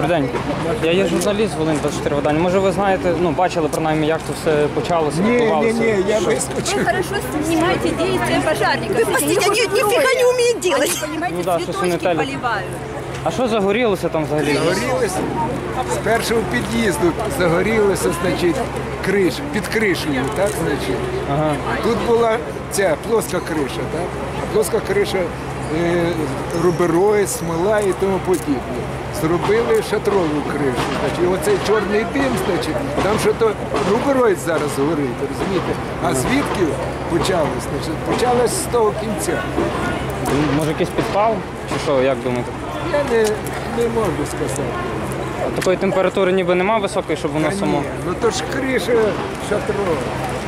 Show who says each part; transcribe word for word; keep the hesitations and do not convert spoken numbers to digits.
Speaker 1: Добрий день. Я є журналіст з Волинь двадцять чотири видання. Може ви знаєте, ну бачили принаймні, як це все почалося,
Speaker 2: Не, не,
Speaker 1: відбувалося?
Speaker 2: не, я выскочу.
Speaker 3: Вы хорошо снимаете действия пожарников.
Speaker 4: Вы посмотрите, они нифига не умеют делать.
Speaker 3: Они, понимаете,
Speaker 1: Ну да, что
Speaker 3: цветочки
Speaker 1: санитария.
Speaker 3: поливают.
Speaker 1: А що загорілося там взагалі?
Speaker 2: Загорілося з першого під'їзду, загорілося, значить, криш, під кришею, так, значить.
Speaker 1: Ага.
Speaker 2: Тут була ця плоска криша, так? Плоска криша, е, рубероїд, смола і тому подібне. Зробили шатрову кришу, значить, і оцей чорний дим, значить, там що то рубероїд зараз горить, розумієте? А звідки почалось? Значить, почалось з того кінця.
Speaker 1: Може якийсь підпал? Чи що, як думаєте?
Speaker 2: Я не, не можу сказати.
Speaker 1: Такої температури ніби нема високої, щоб воно
Speaker 2: Та ні,
Speaker 1: само.
Speaker 2: ну то ж криша шатрова.